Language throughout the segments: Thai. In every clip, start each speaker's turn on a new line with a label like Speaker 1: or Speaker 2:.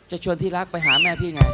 Speaker 1: จะชวนที่รักไปหาแม่พี่ไง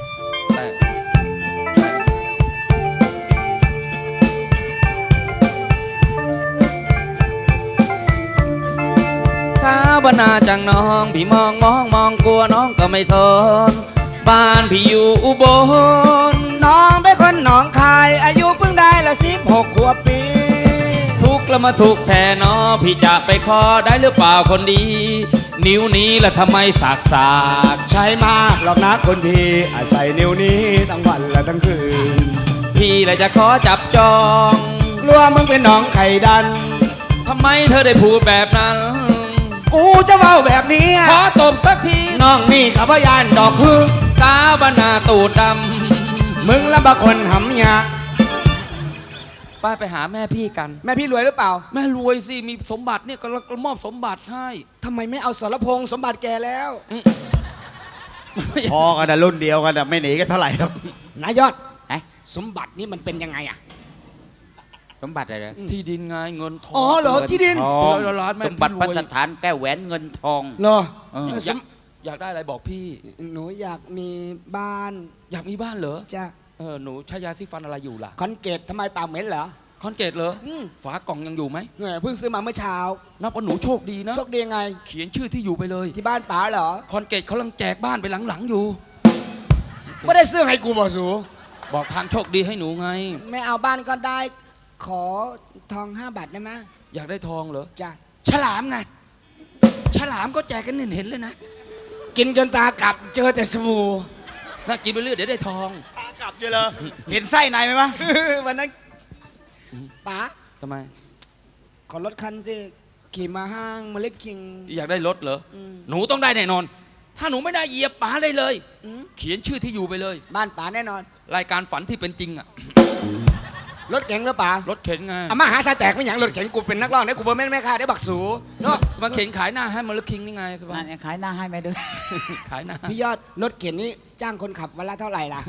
Speaker 1: สาวบนาจังน้องพี่มองกลัวน้องก็ไม่สนบ้านพี่อยู่อุบล
Speaker 2: น้องเป็นคนหนองคายอายุเพิ่งได้ละ16 ขวบปี
Speaker 1: ทุกข์แล้วมาทุกข์แทนน้อพี่จะไปขอได้หรือเปล่าคนดีนิ้วนี้ละทำไมสาก
Speaker 2: ใช้มากหรอกนะคนดีอาศัยนิ้วนี้ทั้งวันและทั้งคืน
Speaker 1: พี่ละจะขอจับจอง
Speaker 2: กลัวมึงเป็นน้องไข่ดัน
Speaker 1: ทำไมเธอได้พูดแบบนั้น
Speaker 2: กูจะเว้าแบบนี้
Speaker 1: ขอตบสักที
Speaker 2: น้องนี่ขับยานดอกพึ่ง
Speaker 1: สาวบนาตูดดำ
Speaker 2: มึงละบางคนหำยา
Speaker 1: ไปหาแม่พี่กัน
Speaker 2: แม่พี่รวยหรือเปล่า
Speaker 1: แม่รวยสิมีสมบัติเนี่ยก็มอบสมบัติให้
Speaker 2: ทำไมไม่เอาสรพงษ์สมบัติแกแล้ว
Speaker 3: พอกันนะรุ่นเดียวกันนะไม่หนีกันเท่าไหร่หรอก
Speaker 2: นายยอดสมบัตินี่มันเป็นยังไงอะ
Speaker 3: สมบัติอะไร
Speaker 1: ที่ดินไงเงินทอง
Speaker 2: อ๋อเหรอที่ดิน
Speaker 3: สมบัติพัฒฐานแก้วแหวนเงินทอง
Speaker 2: เหรอ
Speaker 1: อยากได้อะไรบอกพี่
Speaker 2: หนูอยากมีบ้าน
Speaker 1: อยากมีบ้านเหรอ
Speaker 2: จ้ะ
Speaker 1: หนูใช้ยาสีฟันอะไรอยู่ล่ะ
Speaker 2: คอนเกตทำไมปากเหม็นเหรอ
Speaker 1: คอนเกตเหรอฝากล่องยังอยู่ไหม
Speaker 2: เพิ่งซื้อมาเมื่อเช้า
Speaker 1: นับว่าหนูโชคดีนะ
Speaker 2: โชคดียังไง
Speaker 1: เขียนชื่อที่อยู่ไปเลย
Speaker 2: ที่บ้านป๋าเหรอ
Speaker 1: คอนเกตเขากำลังแจกบ้านไปหลังๆอยู่
Speaker 2: ไม่ได้ซื้อให้กูบอกสู
Speaker 1: บอกทางโชคดีให้หนูไง
Speaker 2: ไม่เอาบ้านก็ได้ขอทอง5 บาทได้ไหม
Speaker 1: อยากได้ทองเหรอ
Speaker 2: จ้ะ
Speaker 1: ฉลามไงฉลามก็แจกกันเห็นเลยนะ
Speaker 2: กินจนตากลับเจอแต่สบู่
Speaker 1: น่ากินไปเรื่อยเดี๋ยวได้ทอง
Speaker 3: ตากลับเจอเลยเห็นไส้ในไหมวะ
Speaker 2: วันนั้นป๋า
Speaker 1: ทำไม
Speaker 2: ขอรถคันสิขี่มาห้างมาเล็กคิง
Speaker 1: อยากได้รถเหรอหนูต้องได้แน่นอนถ้าหนูไม่ได้เหยียบป๋าได้เลยเขียนชื่อที่อยู่ไปเลย
Speaker 2: บ้านป๋าแน่นอน
Speaker 1: รายการฝันที่เป็นจริงอะ
Speaker 2: รถเก๋งหรือป๋าร
Speaker 1: ถเข็นไง
Speaker 2: มาหาสายแตกไม่อย่างรถเข็นกูเป็นนักร้องเนี่ยกูเป็นแม่ค้าได้บักสู
Speaker 1: เนาะมาเข็นขายหน้าให้มาเล็กคิงนี่ไงสบาย
Speaker 2: ขายหน้าให้ไหมด้วย
Speaker 1: ขายหน้า
Speaker 2: พี่ยอดรถเข็นนี่จ้างคนขับวันละเท่าไหร่ล่ะ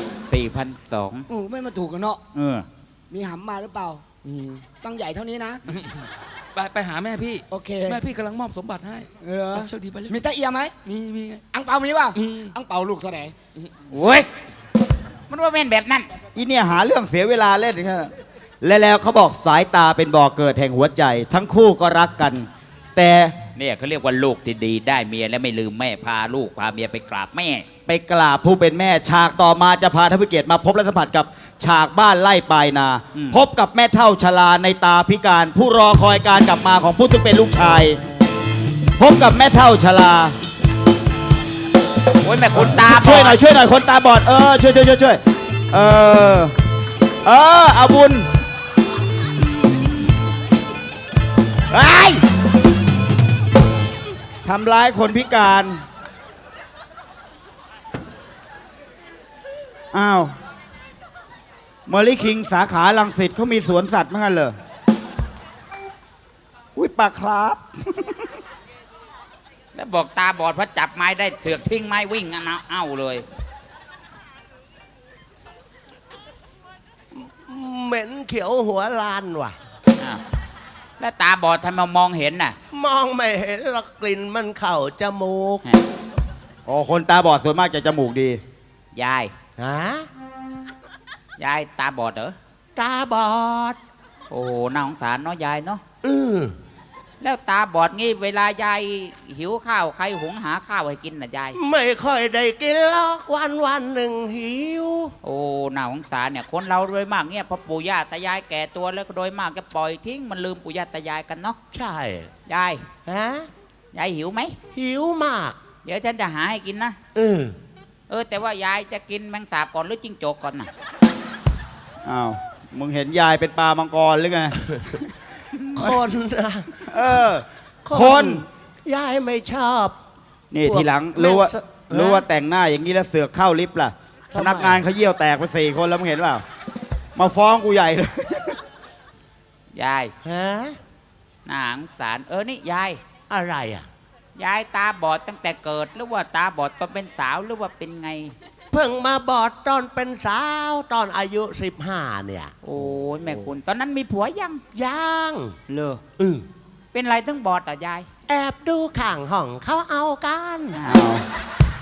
Speaker 3: 4,200
Speaker 2: ไม่มาถูกกันเนาะมีหำมาหรือเปล่าต้องใหญ่เท่านี้นะ
Speaker 1: ไปหาแม่พี่
Speaker 2: โอเค
Speaker 1: แม่พี่กำลังมอบสมบัติให้โชคดีไปเลย
Speaker 2: มีตะเอียไหม
Speaker 1: มี
Speaker 2: อังเปามีป่ะอังเปาลูกเท่าไหร่
Speaker 3: โอ้ย
Speaker 2: มันว่าเป็นแบบนั้น
Speaker 3: อีเนี่ยหาเรื่องเสียเวลาเล่นแค่แล้วเขาบอกสายตาเป็นบ่อเกิดแห่งหัวใจทั้งคู่ก็รักกันแต่
Speaker 4: เนี่ยเขาเรียกว่าลูกที่ดีได้เมียและไม่ลืมแม่พาลูกพาเมียไปกราบแม่
Speaker 3: ไปกราบผู้เป็นแม่ฉากต่อมาจะพาท่านผู้เกียรติมาพบและสัมผัสกับฉากบ้านไล่ปลายนาพบกับแม่เฒ่าชราในตาพิการผู้รอคอยการกลับมาของผู้ซึ่งเป็นลูกชายพบกับแม่เฒ่าชรา
Speaker 4: โอ้ยแม่คนตา
Speaker 3: ช่วยหน่อยคนตาบอดช่วยเอาบุญทำร้ายคนพิการอ้าวเมอรี่คิงสาขาลังสิตเขามีสวนสัตว์มั้งกันเหรออุ้ยปากครับ
Speaker 4: แล้วบอกตาบอดเพราะจับไม้ได้เสือกทิ้งไม้วิ่งเอาเลย
Speaker 5: เหม็นเขียวหัวลานว่ะ
Speaker 4: แล้วตาบอดทำไมมองเห็นน่ะ
Speaker 5: มองไม่เห็นหรอกกลิ่นมันเข้าจมูก
Speaker 3: คนตาบอดส่วนมากจะจมูกดี
Speaker 4: ยายยายตาบอดเหรอ
Speaker 5: ตาบอด
Speaker 4: โอ้น่าสงสารเนาะยายเนาะแล้วตาบอดงี้เวลายายหิวข้าวใครหุงหาข้าวให้กินน่ะยาย
Speaker 5: ไม่ค่อยได้กินหรอกวันหนึ่งหิว
Speaker 4: โอ้น่าสงสารเนี่ยคนเราโดยมากเนี่ยพอปู่ย่าตายายแก่ตัวแล้วก็โดยมากจะปล่อยทิ้งมันลืมปู่ย่าตายายกันเนาะ
Speaker 5: ใช่
Speaker 4: ยายยายหิวไหม
Speaker 5: หิวมาก
Speaker 4: เดี๋ยวฉันจะหาให้กินนะแต่ว่ายายจะกินแมงสาบก่อนหรือจิ้งจกก่อนน่ะ
Speaker 3: อ้าวมึงเห็นยายเป็นปลามังกรหรือไง
Speaker 5: คนนะ
Speaker 3: คน
Speaker 5: ยายไม่ชอบ
Speaker 3: นี่ทีหลังรู้ว่าแต่งหน้าอย่างนี้แล้วเสือกเข้าลิฟต์ล่ะพนักงานเขาเยี่ยวแตกไป4 คนแล้วมึงเห็นเปล่ามาฟ้องกูใหญ่เลย
Speaker 4: ยายน่าสงสารนี่ยาย
Speaker 5: อะไรอ่ะ
Speaker 4: ยายตาบอดตั้งแต่เกิดหรือว่าตาบอดตอนเป็นสาวหรือว่าเป็นไง
Speaker 5: เพิ่งมาบอดตอนเป็นสาวตอนอายุ15เนี่ย
Speaker 4: โอ้ยแม่คุณตอนนั้นมีผัว
Speaker 5: ยัง
Speaker 4: เลยเป็นไรต้องบอดต่อยาย
Speaker 5: แอบดูข้างห้องเขาเอากัน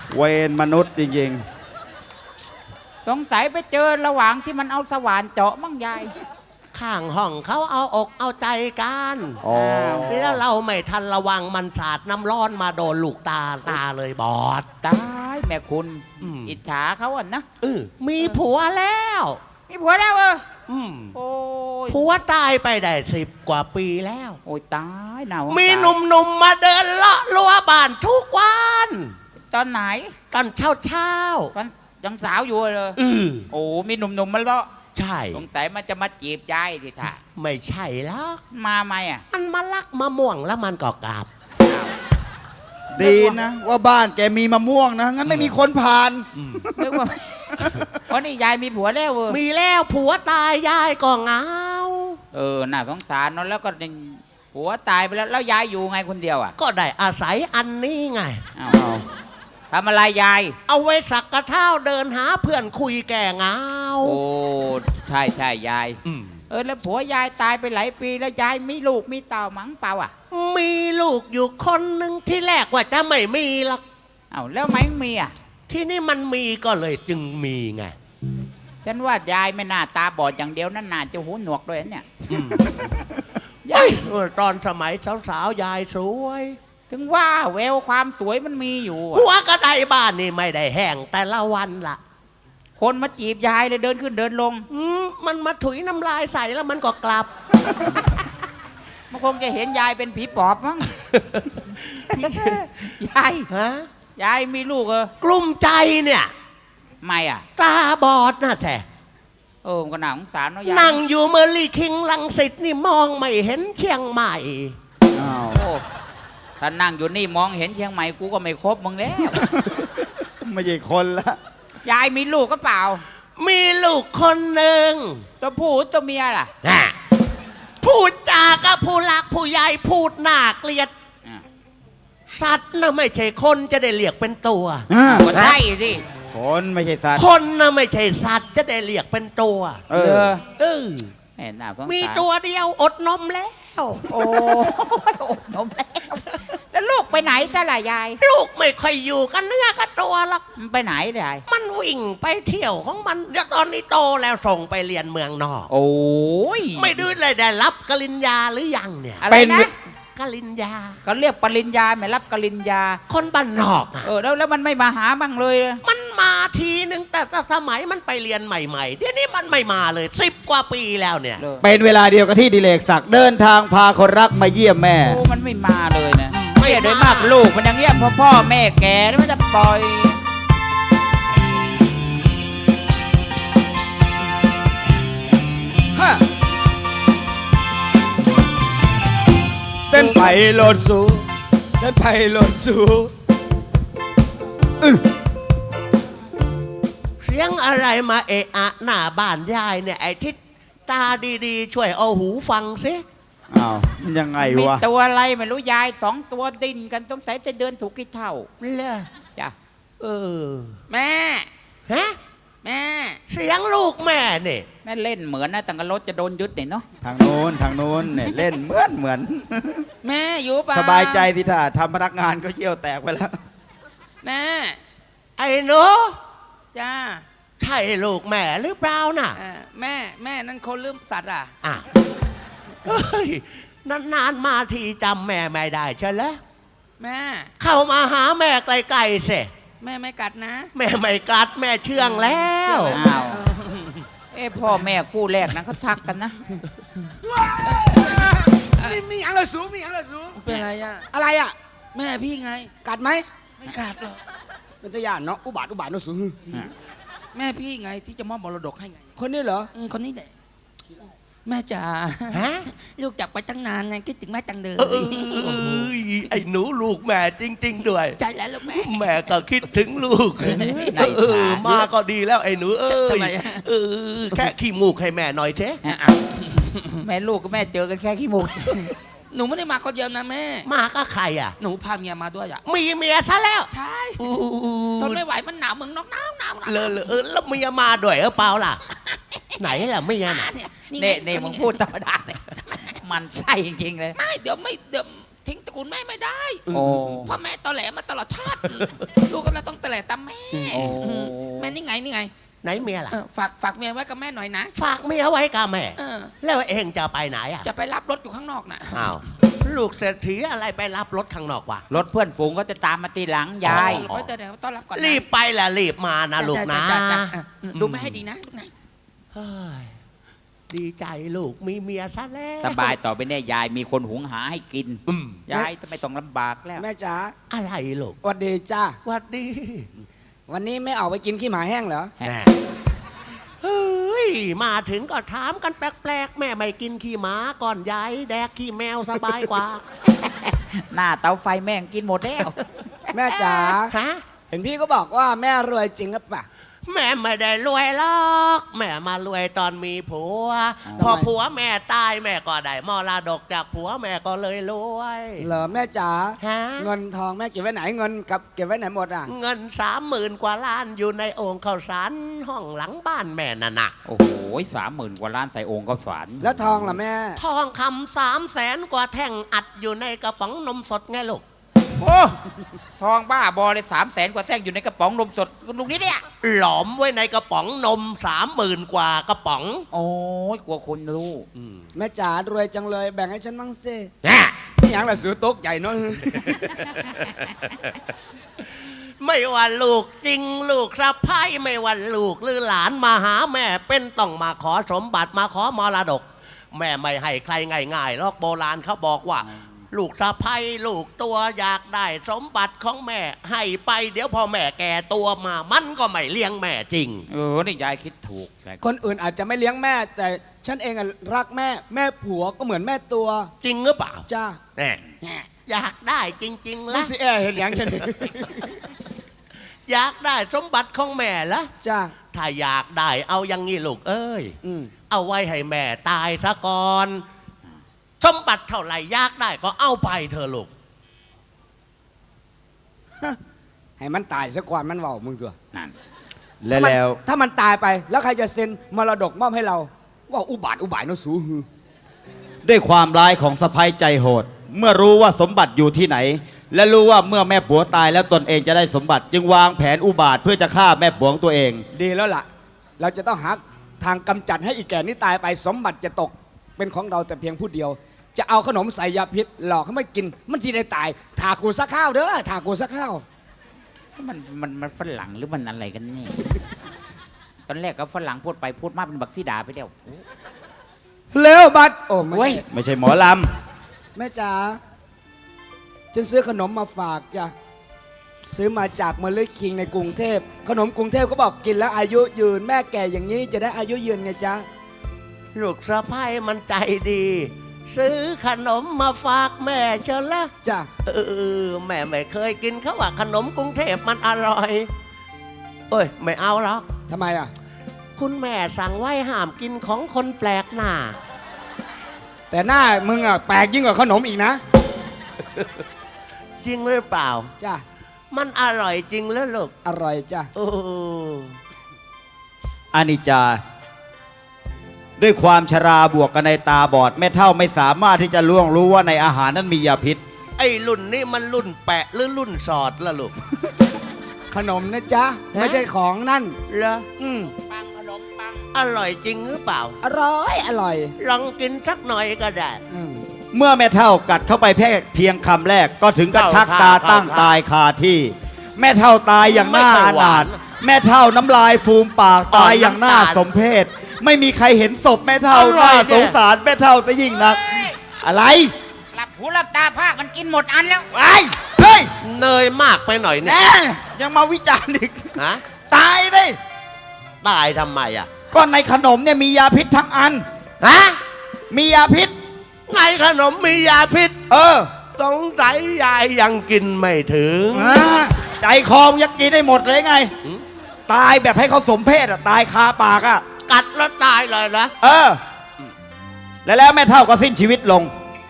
Speaker 3: เวรมนุษย์จริง
Speaker 4: สงสัยไปเจอระหว่างที่มันเอาสว่านเจาะมั่งยาย
Speaker 5: ข้างห้องเขาเอาอกเอาใจกัน
Speaker 3: ๆ อ๋อ
Speaker 5: แล้วเราไม่ทันระวังมันสาดน้ำร้อนมาโดนลูกตาเลยบอด
Speaker 4: ตายแม่คุณ
Speaker 5: อืม
Speaker 4: อิจฉาเขาอ่ะนะ
Speaker 5: มีผัวแล้ว
Speaker 4: มีผัวแล้ว
Speaker 5: อืม
Speaker 4: โอ้ย
Speaker 5: ผัวตายไปได้10 กว่าปีแล้ว
Speaker 4: โอ้ยตายหนาว
Speaker 5: มีหนุ่มๆมาเดินเลาะรั้วบ้านทุกวัน
Speaker 4: ตอนไหน
Speaker 5: ตอนเช้า
Speaker 4: ตอนยังสาวอยู่เลย
Speaker 5: ๆ
Speaker 4: โอ้มีหนุ่มๆมาเลาะ
Speaker 5: ใช่
Speaker 4: สงสัยมันจะมาจีบยายทีท่า
Speaker 5: ไม่ใช่แล้ว
Speaker 4: มาไหมอ่ะ
Speaker 5: มันมาลักมะม่วงแล้วมันก็กลับ
Speaker 3: ดีนะว่าบ้านแกมีมะม่วงนะ งั้นไม่มีคนผ่าน
Speaker 4: นึกว่า เพราะนี่ยายมีผัวแล้ว
Speaker 5: มีแล้วผัวตายยายก็เหงา
Speaker 4: น่าสงสารเนาะแล้วก็ผัวตายไปแล้วยายอยู่ไงคนเดียวอ่ะ
Speaker 5: ก็ได้อาศัยอันนี้ไง
Speaker 4: อ้าวทำอะไรยาย
Speaker 5: เอาไว้สักกระเท้าเดินหาเพื่อนคุยแก่เหงา
Speaker 4: โอ้ใช่ใช่ยาย แล้วผัวยายตายไปหลายปีแล้วยายมีลูกมีเต่ามั้งเปล่าอ่ะ
Speaker 5: มีลูกอยู่คนหนึ่งที่แรกว่าจะไม่มีหรอก
Speaker 4: อ้าวแล้วไหมมีอ่ะ
Speaker 5: ที่นี่มันมีก็เลยจึงมีไง
Speaker 4: ฉันว่ายายไม่น่าตาบอดอย่างเดียวนั่นน่าจะหูหนวกด้วยนะเนี่ย
Speaker 5: ยายตอนสมัยสาวๆยายสวย
Speaker 4: ถึงว่าแววความสวยมันมีอยู่อะ
Speaker 5: หัวกระไดบ้านนี่ไม่ได้แห้งแต่ละวันละ
Speaker 4: คนมาจีบยายเลยเดินขึ้นเดินลง
Speaker 5: มันมาถุยน้ำลายใส่แล้วมันก็กลับ
Speaker 4: มันคงจะเห็นยายเป็นผีปอบมั้ง ยาย
Speaker 5: ฮะ
Speaker 4: ยายมีลูก
Speaker 5: กลุ้มใจเนี่ย
Speaker 4: ไม่อ่ะ
Speaker 5: ตาบอดนะแท้
Speaker 4: มันก็น่าสงสารเนาะยาย
Speaker 5: นั่งอยู่เมอร์ลี่คิงลังสิตนี่มองไม่เห็นเชียงใหม่
Speaker 3: อ้าว
Speaker 4: โอ้ถ้านั่งอยู่นี่มองเห็นเชียงใหม่กูก็ไม่ครบมึงแล้ว
Speaker 3: ไม่ใช่คนละ
Speaker 4: ยายมีลูกก็เปล่า
Speaker 5: มีลูกคนหนึ่ง
Speaker 4: ตัวผู้ตัวเมียล่ะ
Speaker 5: พูดจากับผู้หลักผู้ใหญ่พูดน่าเกลียด สัตว์น่ะไม่ใช่คนจะได้เรียกเป็นตัว
Speaker 4: ก็ใช่สิ
Speaker 3: คนไม่ใช่สัตว์
Speaker 5: คนน่ะไม่ใช่สัตว์จะได้เรียกเป็นตัว
Speaker 3: เอ
Speaker 4: เอ
Speaker 3: อ
Speaker 4: อน่าสงสาร
Speaker 5: มีตัวเดียวอดนมแล้ว
Speaker 4: โอ้อดนมแล้วลูกไปไหนซะล่ะยาย
Speaker 5: ลูกไม่ค่อยอยู่กันเนื้อกับตัวหรอก
Speaker 4: มันไปไหนยาย
Speaker 5: มันวิ่งไปเที่ยวของมันแล้วตอนนี้โตแล้วส่งไปเรียนเมืองนอก
Speaker 4: โอ้ย
Speaker 5: ไม่ดื้อเลยได้รับกริญญาหรือยังเนี่ย
Speaker 4: อะไรนะ
Speaker 5: กริญญา
Speaker 4: เขาเรียกปริญญาไม่รับกริญญา
Speaker 5: คนบ้านนอกอะ
Speaker 4: แล้วมันไม่มาหาบ้างเลย
Speaker 5: มันมาทีนึงแต่สมัยมันไปเรียนใหม่ๆเดี๋ยวนี้มันไม่มาเลย10 กว่าปีแล้วเนี่ย
Speaker 3: เป็นเวลาเดียวกับที่ดิเลกศักดิ์เดินทางพาคนรักมาเยี่ยมแม่
Speaker 4: มันไม่มาเลยนะไม่โดยมากลูกมันอย่างเงี้ยพ่อแม่แก่แล้วมันจะปล่อย
Speaker 2: เต้นไปโลดสูเต้นไปโลดสู
Speaker 5: เสียงอะไรมาเอะอะหน้าบ้านยายเนี่ยไอ้ทิศตาดีๆ ช่วยเอาหูฟังซิ
Speaker 3: อ้าวมันยังไง
Speaker 4: มี
Speaker 3: วะ
Speaker 4: ตัวอะไรไม่รู้ยาย2 ตัวดิ้นกันต้องใส่จะเดินถูกกี่เท่า
Speaker 5: เลอ
Speaker 4: จ้ะ
Speaker 1: แม่
Speaker 5: ฮะ
Speaker 1: แม่
Speaker 5: เสียงลูกแม่เนี่ย
Speaker 4: แม่เล่นเหมือนนะแต่กับรถจะโดนยึดเนี่ยเนาะ
Speaker 3: ทางโน้นเนี่ยเล่นเหมือน
Speaker 1: แม่อยู่เปล่า
Speaker 3: สบายใจสิท่าทำพนักงานก็เยี่ยวแตกไปแล้ว
Speaker 1: แม่
Speaker 5: ไอ้หนู
Speaker 1: จ้า
Speaker 5: ใช่ลูกแม่หรือเปล่าน่ะ
Speaker 1: แม่นั่นคนลืมสัตว์อ่ะ
Speaker 5: อ่ะเฮ้ยนานๆมาทีจำแม่ไม่ได้ใช่แล้ว
Speaker 1: แม่
Speaker 5: เข้ามาหาแม่ไกลๆสิ
Speaker 1: แม่ไม่กัดนะ
Speaker 5: แม่ไม่กัดแม่เชื่องแล้ว
Speaker 4: อ้าวพ่อแม่คู่แรกนะเขาทักกันนะ
Speaker 2: มีอย่างละสูมีอย่างละสู
Speaker 1: เป็นอะไรอ่ะ
Speaker 2: อะไรอ่ะ
Speaker 1: แม่พี่ไง
Speaker 2: กัดไหม
Speaker 1: ไม่กัดหรอก
Speaker 2: เป็นตะยานเนาะอุบาทเนาะสู
Speaker 1: แม่พี่ไงที่จะมอบมรดกให้ไง
Speaker 2: คนนี้เหรอ
Speaker 1: คนนี้แหละแม่จ๋า
Speaker 5: ฮะ
Speaker 1: ลูกจากไปตั้งนานไงคิดถึงแม่จังเลย
Speaker 5: ไอ้หนูลูกแม่จริง ๆ ด้วย
Speaker 1: ใจแล้วลูกแม่
Speaker 5: แม่ก็คิดถึงลูก มาก็ดีแล้วไอ้หนู
Speaker 1: ทำ
Speaker 5: เอ้ย
Speaker 1: ไมอะ
Speaker 5: แค่ขี้มูกให้แม่หน่อยเจ๊
Speaker 4: แม่ลูกกับแม่เจอกันแค่ขี้มูก
Speaker 1: หนูไม่ได้มาคนเดียวนะแม่
Speaker 5: มาก็ใครอ่ะ
Speaker 1: หนูพาเมียมาด้วยอ่ะ
Speaker 5: มีเมียซะแล้ว
Speaker 1: ใช่ทนไม่ไหวมันหนาวเมืองนอกหนาว
Speaker 5: เลยแล้วเมียมาด้วยเปล่าล่ะ ไหนล่ะเมียน่ะ
Speaker 4: เนี่ยมึงพูดธรรมดาเลยมันใช่จริงๆเลย
Speaker 1: ไม่เดี๋ยวทิ้งตระกูลแม่ไม่ได้
Speaker 4: โอ้
Speaker 1: พ่อแม่ตอแหลมาตลอดชาติลูกก็เลยต้องแต่แหละตาแม่
Speaker 4: โอ้
Speaker 1: แม่นี่ไงนี่ไง
Speaker 5: ไหนเมียล่ะ
Speaker 1: ฝากเมียไว้กับแม่หน่อยนะ
Speaker 5: ฝากเมียไว้กับแม่
Speaker 1: เออ
Speaker 5: แล้วเองจะไปไหนอ่ะ
Speaker 1: จะไปรับรถอยู่ข้างนอกน่ะ
Speaker 5: อ้าวลูกเศรษฐีอะไรไปรับรถข้างนอกวะ
Speaker 4: รถเพื่อนฝูงก็จะตามมาตีหลังยาย
Speaker 1: ไปเดี๋ยวต้อนรับก่อนนะ
Speaker 5: รีบไปแหละรีบมานะลูกนะ
Speaker 1: จ้อ่ะดูไม่ให้ดีนะลูกนะ
Speaker 5: เฮ้ยดีใจลูกมีเมียซะแล้ว
Speaker 4: สบายต่อไปเนี่ยยายมีคนหุงหาให้กิน
Speaker 5: อืม
Speaker 4: ยายจะไม่ต้องลำบากแล้ว
Speaker 2: แม่จ๋า
Speaker 5: อะไรลูก
Speaker 2: สวัสดีจ้า
Speaker 5: หวัดดี
Speaker 2: วันนี้ไม่ออกไปกินขี้หมาแห้งเหรอ
Speaker 5: แหม่เฮ้ยมาถึงก็ถามกันแปลกๆแม่ไม่กินขี้หมาก่อนยายแดกขี้แมวสบายกว่า
Speaker 4: หน้าเตาไฟแม่งกินหมดแล้ว
Speaker 2: แม่จ๋า
Speaker 5: ฮะ
Speaker 2: เห็นพี่ก็บอกว่าแม่รวยจริงหรือเปล่า
Speaker 5: แม่ไม่ได้รวยหรอกแม่มารวยตอนมีผัว
Speaker 2: ทำไม
Speaker 5: พอผัวแม่ตายแม่ก็ได้มรดกจากผัวแม่ก็เลยรวย
Speaker 2: เหรอแม่จ๋า
Speaker 5: ฮะ
Speaker 2: เงินทองแม่เก็บไว้ไหนเงินกับเก็บไว้ไหนหมดอ่ะ
Speaker 5: เงิน30,000 กว่าล้านอยู่ในโอ่งข้าวสารห้องหลังบ้านแม่น่ะนะ
Speaker 4: โอ้โห30,000 กว่าล้านใส่โองค์ข้าวสาร
Speaker 2: แล้วทองล่ะแม่
Speaker 5: ทองคำ300,000 กว่าแท่งอัดอยู่ในกระป๋องนมสดไงลูก
Speaker 4: โอ้ทองบ้าบอเลย300,000 กว่าแท่งอยู่ในกระป๋องนมสดลุงนี้เนี่ย
Speaker 5: หลอมไว้ในกระป๋องนม30,000 กว่ากระป๋อง
Speaker 4: โอ้ยกลัวคนรู้
Speaker 2: แม่จ๋ารวยจังเลยแบ่งให้ฉันบ้างสิ
Speaker 5: แน่
Speaker 2: นี่อย่างละซื้อโต๊ะใหญ่เนาะ
Speaker 5: ไม่ว่าลูกจริงลูกสะพ้ายไม่ว่าลูกหรือหลานมาหาแม่เป็นต้องมาขอสมบัติมาขอมรดก แม่ไม่ให้ใครง่ายๆหรอกโบราณเขาบอกว่า ลูกสะพ้ายลูกตัวอยากได้สมบัติของแม่ให้ไปเดี๋ยวพอแม่แก่ตัวมามันก็ไม่เลี้ยงแม่จริง
Speaker 4: นี่ยายคิดถูก
Speaker 2: คนอื่นอาจจะไม่เลี้ยงแม่ แต่ฉันเองอะรักแม่ แม่ผัวก็เหมือนแม่ตัว
Speaker 5: จริงหรือเปล่า
Speaker 2: จ้า
Speaker 5: แน่อยากได้จริงๆ
Speaker 2: ไม่
Speaker 5: ละ
Speaker 2: สิแอเห็นอย่างฉัน
Speaker 5: อยากได้สมบัติของแม่ละ
Speaker 2: จ้า
Speaker 5: ถ้าอยากได้เอาอย่างงี้ลูกเอ้ย
Speaker 2: อืม
Speaker 5: เอาไว้ให้แม่ตายซะก่อน สมบัติเท่าไหร่อยากได้ก็เอาไปเถอะลูก
Speaker 2: ให้มันตายซะก่อนมันเว้ามึงสัว
Speaker 4: นั่น
Speaker 3: แล้ว
Speaker 2: ถ้ามันตายไปแล้วใครจะเซ็นมรดกมอบให้เรา ว่าอุบาทอุบายเนาะสูฮือ
Speaker 3: ด้วยความร้ายของสะพ้ยใจโหด เมื่อรู้ว่าสมบัติอยู่ที่ไหน และรู้ว่าเมื่อแม่ผัวตายแล้วตนเองจะได้สมบัติ จึงวางแผนอุบาทเพื่อจะฆ่าแม่ผัวของตัวเอง
Speaker 2: ดีแล้วล่ะ เราจะต้องหาทางกำจัดให้อีแก่นี้ตายไปสมบัติจะตกเป็นของเราแต่เพียงผู้เดียว จะเอาขนมใส่ยาพิษหลอกให้มันกิน มันจะได้ตายถากูสักข้าวเด้อถากูสักข้าว
Speaker 4: มันฝรั่งหรือมันอะไรกันนี่ ตอนแรกก็ฝรั่งพูดไปพูดมาเป็นบักซีดาไปแล้ว
Speaker 2: เร็วบัดโอ้ไม่
Speaker 4: เว้ย
Speaker 2: ใช่
Speaker 3: ไม่ใช่หมอล
Speaker 2: แม่จ๋าฉันซื้อขนมมาฝากจ้ะซื้อมาจากเมลิคิงในกรุงเทพขนมกรุงเทพก็บอกกินแล้วอายุยืนแม่แก่อย่างนี้จะได้อายุยืนไงจ๊ะ
Speaker 5: ลูกสะพ้ายมันใจดี ซื้อขนมมาฝากแม่เชียวละ
Speaker 2: จ้ะ
Speaker 5: แม่ไม่เคยกินเขาว่าขนมกรุงเทพมันอร่อยเอ้ยไม่เอาหรอก
Speaker 2: ทำไมอ่ะ
Speaker 5: คุณแม่สั่งไว้ห้ามกินของคนแปลกหน้า
Speaker 2: แต่หน้ามึงอ่ะแปลกยิ่งกว่าขนมอีกนะ
Speaker 5: จริงหรือเปล่า
Speaker 2: จ้ะ
Speaker 5: มันอร่อยจริงแล้วลูก
Speaker 2: อร่อยจ้ะ
Speaker 5: โอ้
Speaker 3: ำอานิจจา ด้วยความชราบวกกันในตาบอดแม่เท่าไม่สามารถที่จะล่วงรู้ว่าในอาหารนั้นมียาพิษ
Speaker 5: ไอ้รุ่นนี้มันรุ่นแปะหรือรุ่นสอดละลูก
Speaker 2: ขนมนะจ๊ะไม่ใช่ของนั่น
Speaker 5: เหรอ
Speaker 2: อืม
Speaker 4: ปังขนมปัง
Speaker 5: อร่อยจริงหรือเปล่า
Speaker 2: อร่อยอร่อย
Speaker 5: ลองกินสักหน่อยก็ได้
Speaker 2: อืม
Speaker 3: เมื่อแม่เท่ากัดเข้าไปเพียงคำแรกก็ถึงกับชักตาตั้งตายคาที่ แม่เท่าตายอย่างน่าอานาถแม่เท่าน้ำลายฟูมปากตายอย่างน่าสมเพชไม่มีใครเห็นศพแม่เท่าน่าสงสารแม่เท่าซะยิ่งนัก อะไร
Speaker 4: หลับหูหลับตาภาคมันกินหมดอันแล้ว
Speaker 3: ไอ้เฮ้ย
Speaker 5: เนยมากไปหน่อยเนี่ย
Speaker 3: แน่ยังมาวิจารณ์อีก
Speaker 5: ฮะ
Speaker 3: ตายเลย
Speaker 5: ตายทำไมอ่ะ
Speaker 3: ก็ในขนมเนี่ยมียาพิษทั้งอัน
Speaker 5: ฮะ
Speaker 3: มียาพิษ
Speaker 5: ในขนมมียาพิษ
Speaker 3: เออ
Speaker 5: สงสัยยายยังกินไม่ถึง
Speaker 3: ใจคอมยักกินได้หมดเลยไง
Speaker 5: หืม
Speaker 3: ตายแบบให้เขาสมเพศอ่ะ ตายคาปากอ่ะ
Speaker 5: กัดแล้วตายเลยนะ
Speaker 3: เออ แล้วแม่เท่าก็สิ้นชีวิตลง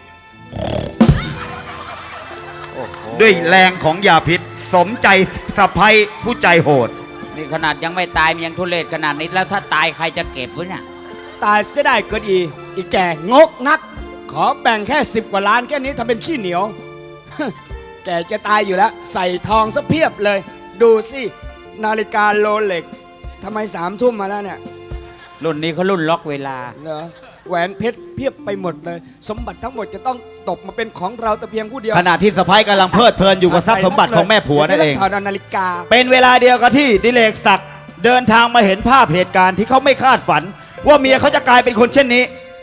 Speaker 3: ด้วยแรงของยาพิษ สมใจสะพ้ยผู้ใจโหด
Speaker 4: นี่ขนาดยังไม่ตายมันยังทุเรศขนาดนี้แล้วถ้าตายใครจะเก็บไว้เนี่ย
Speaker 2: ตายเสียได้เกินอีแก่งกนัก ขอแบ่งแค่10 กว่าล้านแค่นี้ทำเป็นขี้เหนียว แกจะตายอยู่แล้ว ใส่ทองซะเพียบเลยดูสินาฬิกาโรเล็กทำไม3 ทุ่มมาแล้วเนี่ย
Speaker 4: รุ่นนี้เขารุ่นล็อกเวลา
Speaker 2: เหรอแหวนเพชรเพียบไปหมดเลย สมบัติทั้งหมดจะต้องตกมาเป็นของเราแต่เพียงผู้เดียว
Speaker 3: ขณะที่สะพ้ายกำลังเพลิดเพลินอยู่กับทรัพย์สมบัติของแม่ผัวนั่นเอง
Speaker 2: ถอดนาฬิกา
Speaker 3: เป็นเวลาเดียวกับที่ดิเลกศักดิ์เดินทางมาเห็นภาพเหตุการณ์ที่เขาไม่คาดฝัน ว่าเมียเขาจะกลายเป็นคนเช่นนี้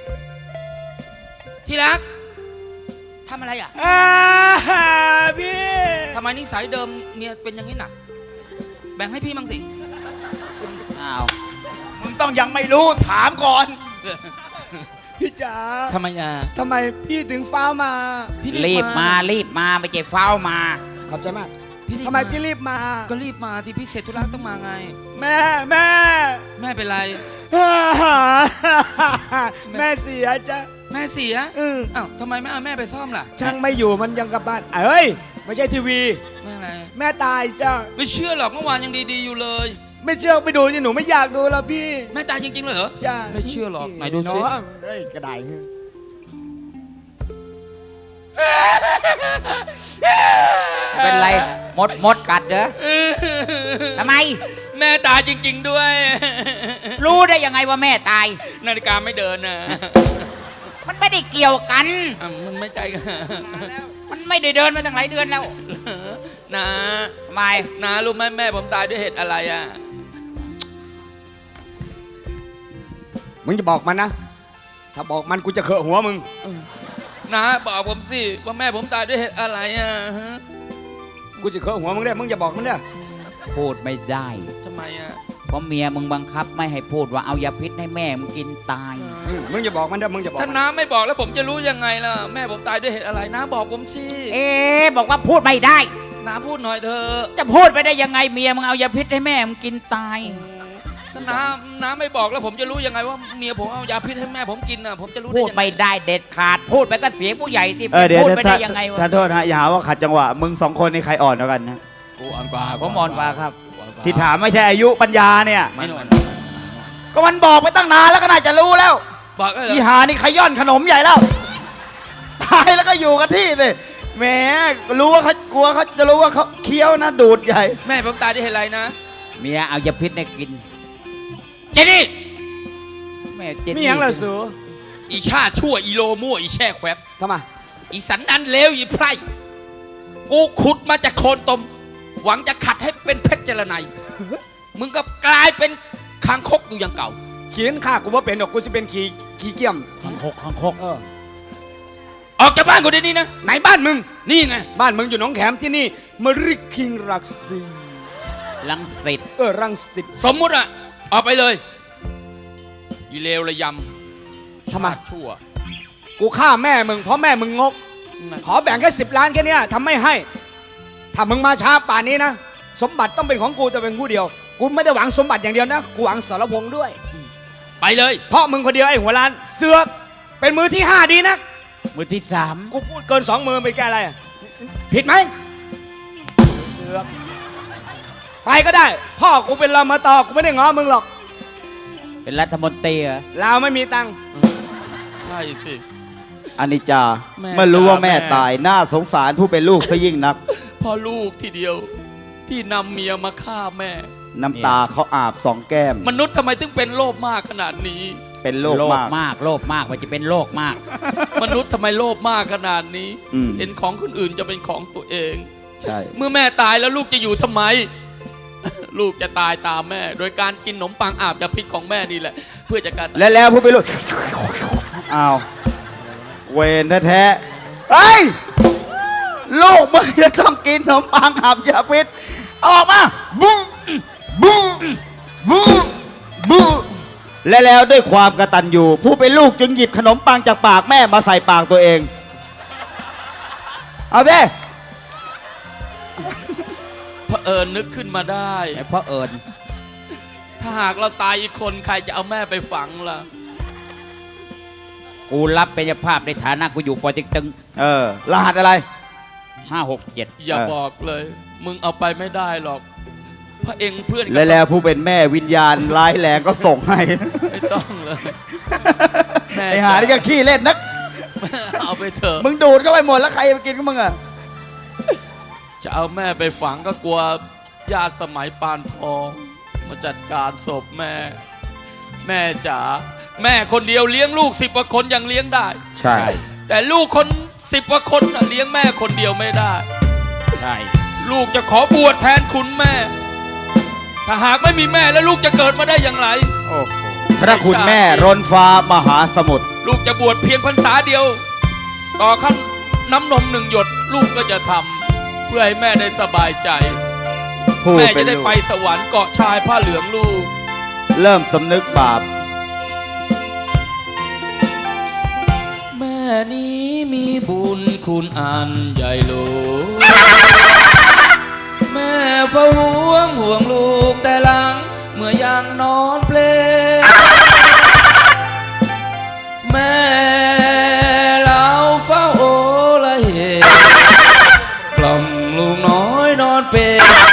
Speaker 1: ที่รักทำอะไรอ่ะ
Speaker 2: พี่
Speaker 1: ทำไมนิสัยเดิมเมียเป็นอย่างนี้น่ะ แบ่งให้พี่มั่งสิ
Speaker 4: อ้าว
Speaker 3: มึงต้องยังไม่รู้ถามก่อน
Speaker 2: พี่จ๋า
Speaker 1: ทำไมอ่ะ
Speaker 2: ทำไมพี่ถึงฟ้าวมา
Speaker 1: พี่
Speaker 4: รีบมาไม่ใช่เฝ้ามา
Speaker 2: ขอบใจมาก
Speaker 1: พี่รีบ
Speaker 2: ทำไมพี่รีบมา
Speaker 1: ก็รีบมาที่พี่เสร็จธุระต้องมาไง
Speaker 2: แม่
Speaker 1: แม่เป็นไร
Speaker 2: แม่เสียจ้ะ
Speaker 1: แม่เสีย
Speaker 2: อือ
Speaker 1: อ้าวทำไมไม่เอาแม่ไปซ่อมล่ะ
Speaker 2: ช่างไม่อยู่มันยังกลับบ้านเอ้ยไม่ใช่ทีวี
Speaker 1: แม่อะไร
Speaker 2: แม่ตายจ้ะ
Speaker 1: ไม่เชื่อหรอกเมื่อวานยังดีๆอยู่เลย
Speaker 2: ไม่เชื่อไปดูสิหนูไม่อยากดูแล้วพี่
Speaker 1: แม่ตายจริงๆเลยเหรอ
Speaker 2: จ้ะ
Speaker 1: ไม่เชื่อหรอกไหนดูสิ
Speaker 2: เนาะเอ้ยกระได
Speaker 4: เป็นไรมดกัดเหรอทำไม
Speaker 1: แม่ตายจริง ๆด้วย
Speaker 4: รู้ได้ยังไงว่าแม่ตาย
Speaker 1: นาฬิกาไม่เดินนะ
Speaker 4: มันไม่ได้เกี่ยวกัน
Speaker 1: อ่ะมันไม่ใช่กัน
Speaker 4: มันไม่ได้เดินมาตั้งหลายเดือนแล้ว
Speaker 1: นะ
Speaker 4: ทำไม
Speaker 1: นารู้ไหมแม่ผมตายด้วยเหตุอะไรอ่ะ
Speaker 2: มึงจะบอกมันนะ ถ้าบอกมันกูจะเขอะหัวมึง
Speaker 1: นะบอกผมสิว่าแม่ผมตายด้วยเหตุอะไรอ่ะฮะ
Speaker 2: กูจะเขอะหัวมึงได้มึงอย่าบอกมันเด้อ
Speaker 4: พูดไม่ได้
Speaker 1: ทำไมอ่ะ
Speaker 4: เพราะเมียมึงบังคับไม่ให้พูดว่าเอายาพิษให้แม่มึงกินตาย
Speaker 2: มึงอย่าบอกมันเด้อมึงอย่าบอก
Speaker 1: ถ้า
Speaker 2: มัน
Speaker 1: น้าไม่บอกแล้วผมจะรู้ยังไงล่ะแม่ผมตายด้วยเหตุอะไรน้าบอกผมสิ
Speaker 4: เอ๊ะบอกว่าพูดไม่ได้
Speaker 1: น้าพูดหน่อยเถอะ
Speaker 4: จะพูดไปได้ยังไงเมียมึงเอายาพิษให้แม่มึงกินตาย
Speaker 1: ถ้าน้าไม่บอกแล้วผมจะรู้ยังไงว่าเมียผมเอายาพิษให้แม่ผมกินอ่ะผมจะรู้ได้
Speaker 4: พูด
Speaker 1: ยังไง
Speaker 4: ไม่ได้เด็ดขาด พูดไปก็เสียงผู้ใหญ่ที่
Speaker 3: เดี๋ยว
Speaker 4: พูดไปได้ยังไงวะ
Speaker 3: ท่านโทษฮะอย่าหาว่าขัดจังหวะมึงสองคนนี่ใครอ่อนกว่ากันนะ
Speaker 1: กูอ่อนกว่า
Speaker 4: ผมอ่อนกว่าครับ
Speaker 3: ที่ถามไม่ใช่อายุปัญญาเนี่ย
Speaker 1: ไม่หนว
Speaker 3: ก็มันบอกไปตั้งนานแล้วก็น่าจะรู้แล้ว
Speaker 1: บอกก็เหร
Speaker 3: อี
Speaker 1: อ
Speaker 3: หานี่ขย่อนขนมใหญ่แล้วตายแล้วก็อยู่กับที่สิแหมรู้ว่าเขากลัวเขาจะรู้ว่าเขาเคี้ยวนะดูดใหญ่
Speaker 1: แม่ผมตายด้วยเหตุอะไรนะ
Speaker 4: เมียเอายาพิษให้กิน
Speaker 1: เจนี่
Speaker 4: แม่เจน
Speaker 2: มี
Speaker 4: นี่
Speaker 2: หยังเหรอสู
Speaker 1: อีชาชั่วอีโลมั่วอีแช่แควบ
Speaker 2: ทำไม
Speaker 1: อีสันนันเลวอีไพร่กูขุดมาจากโคลนตม หวังจะขัดให้เป็นเพชรเจรไนยมึงก็กลายเป็นคางคกอยู่อย่างเก่า
Speaker 2: เขียนข้ากูว่าเป็นดอกกูจะเป็นขี้เกียม
Speaker 3: ขังคก
Speaker 2: เออ
Speaker 1: ออกจากบ้านกูเดี๋ยวนี้นะ
Speaker 2: ไหนบ้านมึง
Speaker 1: นี่ไง
Speaker 2: บ้านมึงอยู่หนองแขมที่นี่มริคิงรักซี
Speaker 4: ลังสิต
Speaker 2: รังสิต
Speaker 1: สมมุติอะออกไปเลยอีเลวระยำ
Speaker 2: ทำไม
Speaker 1: ชาติชั่ว
Speaker 2: กูฆ่าแม่มึงเพราะแม่มึงงก ขอแบ่งแค่10 ล้านแค่เนี้ยทำไม่ให้ ถ้ามึงมาช้าป่านนี้นะ สมบัติต้องเป็นของกูแต่เป็นผู้เดียว กูไม่ได้หวังสมบัติอย่างเดียวนะ กูหวังสรพงษ์ด้วย
Speaker 1: ไปเลย
Speaker 2: เพราะมึงคนเดียวไอ้หัวล้าน เสือกเป็นมือที่ 5 ดีนะ
Speaker 4: มือที่
Speaker 2: กูพูดเกิน 2 มือไปแก้อะไรอะผิดไหมเสือกไปก็ได้ พ่อกูเป็นรมตกูไม่ได้ง้อมึงหรอก
Speaker 4: 3 เป็นรัฐมนตรีเหรอ
Speaker 2: เราไม่มีตังค์
Speaker 1: ใช่สิ
Speaker 3: อนิจจา
Speaker 1: แม่
Speaker 3: เมื่อรู้ว่าแม่
Speaker 1: แม่
Speaker 3: ตายน่าสงสารผู้เป็นลูกซะยิ่งนัก
Speaker 1: พ่อลูกทีเดียวที่นำเมียมาฆ่าแม่
Speaker 3: น้ำตาเขาอาบสองแก้ม
Speaker 1: มนุษย์ทำไมถึงเป็นโลภมากขนาดนี้
Speaker 3: เป็นโรค
Speaker 4: โลภ
Speaker 3: มาก
Speaker 4: มากโลภมากมันจะเป็นโรคมาก
Speaker 1: มนุษย์ทำไมโลภมากขนาดนี้
Speaker 3: อืม
Speaker 1: เห็นของคนอื่นจะเป็นของตัวเอง
Speaker 3: ใช่
Speaker 1: เมื่อแม่ตายแล้วลูกจะอยู่ทำไม ลูกจะตายตามแม่ โดยการกินขนมปังอาบยาพิษของแม่นี่แหละ เพื่อจะการ
Speaker 3: และแล้วผู้เป็นลูกอ้าวเวนแท้ๆเฮ้ยลูกมึงจะต้องกินขนมปังอาบยาพิษเอาออกมาบูบูบูบูและแล้วด้วยความกตัญญูผู้เป็นลูกจึงหยิบขนมปังจากปากแม่มาใส่ปากตัวเอง เอาสิ
Speaker 1: เผอิญนึกขึ้นมาได้
Speaker 4: ไอ้พ่อเอิญ
Speaker 1: ถ้าหากเราตายอีกคนใครจะเอาแม่ไปฝังล่ะ
Speaker 4: กูรับเป็นเจ้าภาพในฐานะกูอยู่ปอเต็กตึง
Speaker 3: รหัสอะไร
Speaker 4: 567
Speaker 1: อย่าบอกเลย มึงเอาไปไม่ได้หรอกเพราะเองเพื่อนก็
Speaker 3: และแล้วผู้เป็นแม่วิญญาณร้ายแรงก็ส่งให้
Speaker 1: ไม่ต้องเลย แม่
Speaker 3: ไอหานี่ก็ขี้เล่นนัก
Speaker 1: เอาไปเถอะ
Speaker 3: มึงดูดเข้าไปหมดแล้วใครจะไปกินกับมึงอ่ะ
Speaker 1: จะเอาแม่ไปฝังก็กลัวญาติสมัยปานทองมาจัดการศพแม่ แม่จ๋าแม่คนเดียวเลี้ยงลูก10 กว่าคนยังเลี้ยงได้
Speaker 3: ใช่
Speaker 1: แต่ลูกคน10 กว่าคนน่ะเลี้ยงแม่คนเดียวไม่ได้
Speaker 4: ใช่
Speaker 1: ลูกจะขอบวชแทนคุณแม่ ถ้าหากไม่มีแม่แล้วลูกจะเกิดมาได้อย่างไร
Speaker 4: โอ้โห
Speaker 3: พระคุณแม่รนฟ้ามหาสมุทร
Speaker 1: ลูกจะบวชเพียงพรรษาเดียว ต่อขั้นน้ำนม1 หยดลูกก็จะทำเพื่อให้แม่ได้สบายใจ
Speaker 3: ผู้
Speaker 1: แม่
Speaker 3: เป็
Speaker 1: จะ
Speaker 3: น
Speaker 1: ได้
Speaker 3: ลูก
Speaker 1: ไปสวรรค์เกาะชายผ้าเหลืองลูก
Speaker 3: เริ่มสำนึกบาป
Speaker 1: แม่นี้มีบุญคุณอันใหญ่หลวงแม่เฝ้าห่วงลูกแต่หลังเมื่อยังนอนเปลแม่เราเฝ้าโอละเหกล่อมลูกน้อยนอนเปล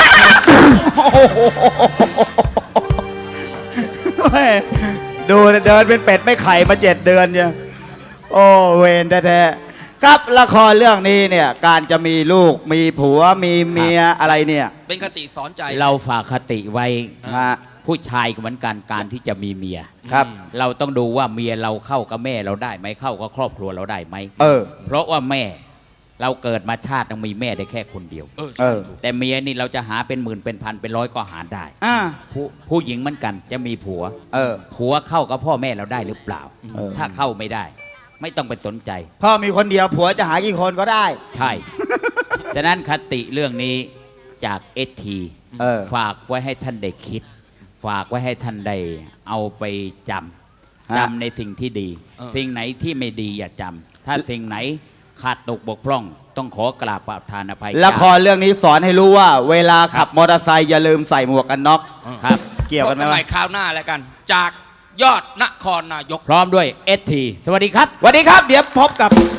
Speaker 3: แม่ดูเดินเป็นเป็ดไม่ไข่มา7 เดือนเนี่ยโอ้เวรแท้ๆครับละครเรื่องนี้เนี่ยการจะมีลูกมีผัวมีเมียอะไรเนี่ย
Speaker 1: เป็นคติสอนใจ
Speaker 4: เราฝากคติไว้
Speaker 3: ฮะ
Speaker 4: ผู้ชายก็เหมือนกันการที่จะมีเมีย
Speaker 3: ครับ
Speaker 4: เราต้องดูว่าเมียเราเข้ากับแม่เราได้ไหมเข้ากับครอบครัวเราได้ไหม
Speaker 3: เออ
Speaker 4: เพราะว่าแม่เราเกิดมาชาติต้องมีแม่ได้แค่คนเดียว
Speaker 3: เออ
Speaker 4: แต่เมียนี่เราจะหาเป็นหมื่นเป็นพันเป็นร้อยก็หาได้
Speaker 3: อ่า
Speaker 4: ผู้หญิงเหมือนกันจะมีผัว
Speaker 3: เออ
Speaker 4: ผัวเข้ากับพ่อแม่เราได้หรือเปล่า
Speaker 3: เออ
Speaker 4: ถ้าเข้าไม่ได้ ไม่ต้องไปสนใจ
Speaker 3: พ่อมีคนเดียวผัวจะหากี่คนก็ได้
Speaker 4: ใช่ ฉะนั้นคติเรื่องนี้จากเอที
Speaker 3: เออ
Speaker 4: ฝากไว้ให้ท่านได้คิด ฝากไว้ให้ท่านได้เอาไปจำ
Speaker 3: ฮะ
Speaker 4: จำในสิ่งที่ดี สิ่งไหนที่ไม่ดีอย่าจำถ้าสิ่งไหนขาดตกบกพร่อง ต้องขอกราบประทานอภัย
Speaker 3: ละครเรื่องนี้สอนให้รู้ว่า เวลาขับมอเตอร์ไซค์อย่าลืมใส่หมวกกันน็อก
Speaker 4: ครับ
Speaker 3: เกี่ยวกันไหม
Speaker 1: พบให
Speaker 3: วะ
Speaker 1: ม่คราวหน้าแล้วกัน จากยอดนครนายก
Speaker 4: พร้อมด้วยเอทีสวัสดีครับ
Speaker 3: สวัสดีครับ เดี๋ยวพบกับ